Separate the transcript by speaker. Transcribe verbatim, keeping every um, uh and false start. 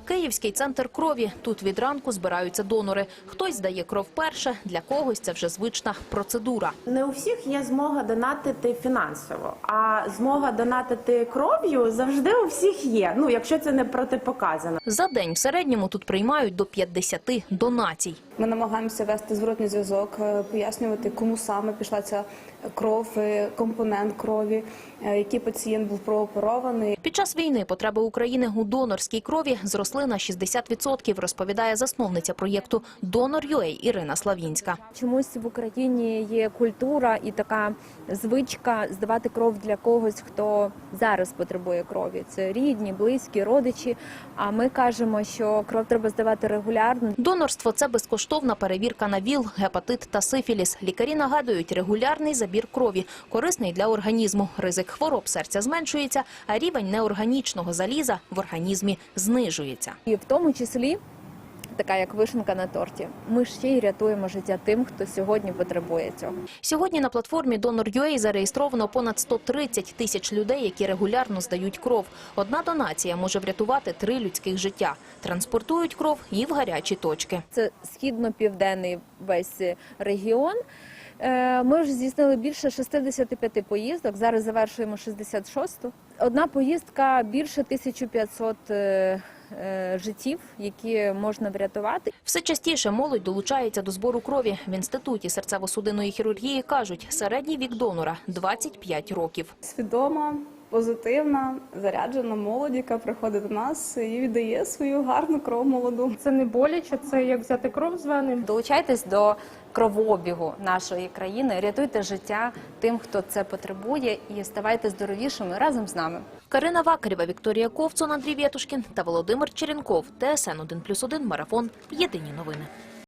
Speaker 1: Київський центр крові. Тут від ранку збираються донори. Хтось здає кров перше, для когось це вже звична процедура.
Speaker 2: Не у всіх є змога донатити фінансово, а змога донатити кров'ю завжди у всіх є, ну, якщо це не протипоказано.
Speaker 1: За день в середньому тут приймають до п'ятдесяти донацій.
Speaker 3: Ми намагаємося вести зворотний зв'язок, пояснювати, кому саме пішла ця кров, компонент крові, який пацієнт був прооперований.
Speaker 1: Під час війни потреби України у донорській крові зросли на шістдесят відсотків, розповідає засновниця проєкту «Донор.ю ей» Ірина Славінська.
Speaker 4: Чомусь в Україні є культура і така звичка здавати кров для когось, хто зараз потребує крові. Це рідні, близькі, родичі. А ми кажемо, що кров треба здавати регулярно.
Speaker 1: Донорство – це безкоштовна перевірка на ВІЛ, гепатит та сифіліс. Лікарі нагадують, регулярний забір крові корисний для організму. Ризик хвороб серця зменшується, а рівень неорганічного заліза в організмі знижується.
Speaker 4: І в тому числі, така як вишенка на торті, ми ще й рятуємо життя тим, хто сьогодні потребує цього.
Speaker 1: Сьогодні на платформі «Донор.ю ей» зареєстровано понад сто тридцять тисяч людей, які регулярно здають кров. Одна донація може врятувати три людських життя. Транспортують кров і в гарячі точки.
Speaker 4: Це східно-південний весь регіон. Ми вже здійснили більше шістдесят п'ять поїздок, зараз завершуємо шістдесят шосту. Одна поїздка більше тисяча п'ятсот життів, які можна врятувати.
Speaker 1: Все частіше молодь долучається до збору крові. В Інституті серцево-судинної хірургії кажуть, середній вік донора – двадцять п'ять років.
Speaker 3: Свідома, позитивна, заряджена молодь, яка приходить до нас і віддає свою гарну кров молоду.
Speaker 5: Це не боляче, це як взяти кров з вени.
Speaker 4: Долучайтесь до кровообігу нашої країни, рятуйте життя тим, хто це потребує, і ставайте здоровішими разом з нами.
Speaker 1: Карина Вакарєва, Вікторія Ковцун, Андрій Вєтушкін та Володимир Черенков. Т С Н один плюс один, Марафон. Єдині новини.